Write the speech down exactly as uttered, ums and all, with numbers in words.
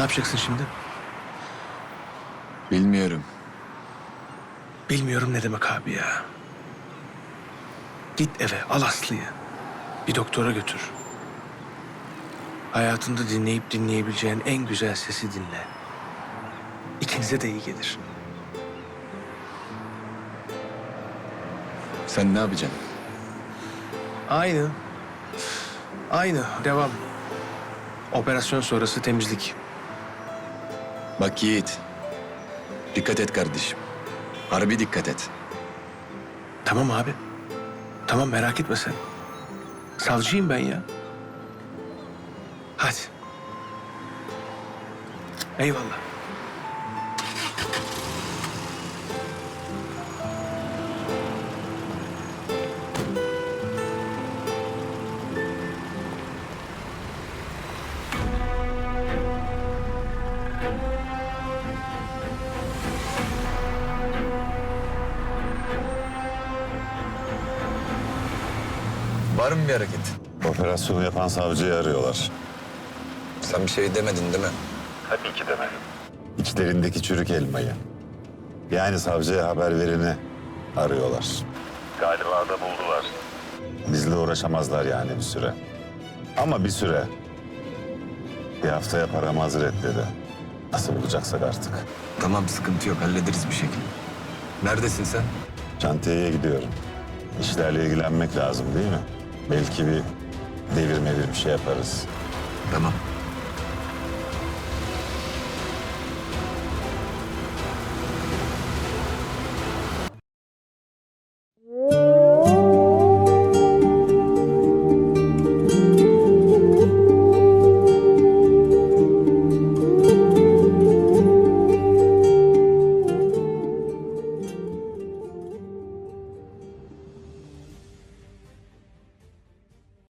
yapacaksın şimdi? Bilmiyorum. Bilmiyorum ne demek abi ya. Git eve, al Aslı'yı. Bir doktora götür. Hayatında dinleyip dinleyebileceğin en güzel sesi dinle. İkinize de iyi gelir. Sen ne yapacaksın? Aynı. Aynı. Devam. Operasyon sonrası temizlik. Bak Yiğit. Dikkat et kardeşim. Harbi dikkat et. Tamam abi. Tamam, merak etme sen. Savcıyım ben ya. Hadi. Eyvallah. Var mı bir hareket? Operasyonu yapan savcıyı arıyorlar. Sen bir şey demedin değil mi? Tabii ki demedim. İçlerindeki çürük elmayı. Yani savcıya haber vereni arıyorlar. Galiba da buldular. Bizle uğraşamazlar yani bir süre. Ama bir süre. Bir haftaya paramı hazır et dedi. Nasıl bulacaksak artık. Tamam, sıkıntı yok. Hallederiz bir şekilde. Neredesin sen? Şantiyeye gidiyorum. İşlerle ilgilenmek lazım değil mi? Belki bir devir mevir bir şey yaparız. Tamam.